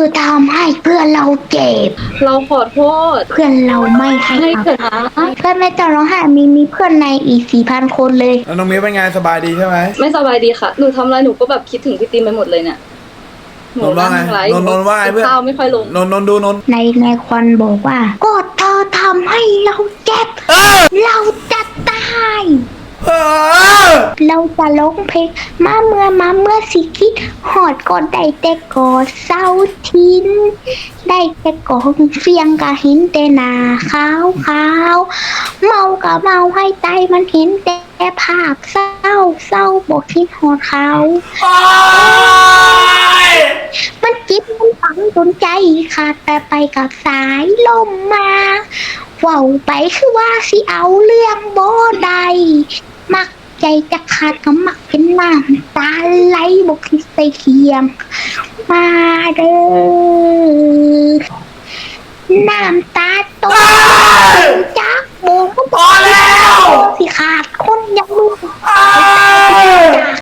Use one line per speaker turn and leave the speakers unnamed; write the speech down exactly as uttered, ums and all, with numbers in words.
ทำให้เพื่อนเราเจ็บ
เราขอโทษ
เพื่อนเราไม่ให้
ให้
อ
เถอะ
ภั
นะ
ยเพื่อนไม่ต้องร้องไห้มีมีเพื่อนในอีกสี่พันคนเลย
แล้วน้องมิ้วเป็นไงสบายดีใช่ไหม
ไม่สบายดีค่ะหนูทำอะไรหนูก็แบบคิดถึงพี่ตีมไปหมดเลยเนี่ยหนู
นนท์ว่าไง
นั่งไลฟ์
นนท์นนท์ว่าไงเพื่อน
ข้าวไม่ค่อยลง
นนท์นนท์ดูนนท์
ในในควันบอกว่าก็เธอทำให้เราเจ็บ
เออ
เราจะตาย
เออ
เราจะร้องเพลงมาเมื่อมาเมื่อสิคิดหอดก็ได้แต่กอดเศร้าทิ้นได้แต่กอดเฟียงกะเห็นแต่หน้าขาวขาวเมากะเมาให้ใจมันเห็นแต่ภาพเศร้าเศร้าบอกคิดหอดเขา
โอ๊ย
มันจิตมันฝังจนใจขาดแต่ไปกับสายลมมาเว่าไปคือว่าสิเอาเรื่องบ่ได้มักใจจะขาดก็มักเป็นน้ำตาไหลบอกคิดใส่เคียง มาเด้อน้ำตาตกจักโบก
พอแล้ว
สิขาดคนอยังลูก
อ้า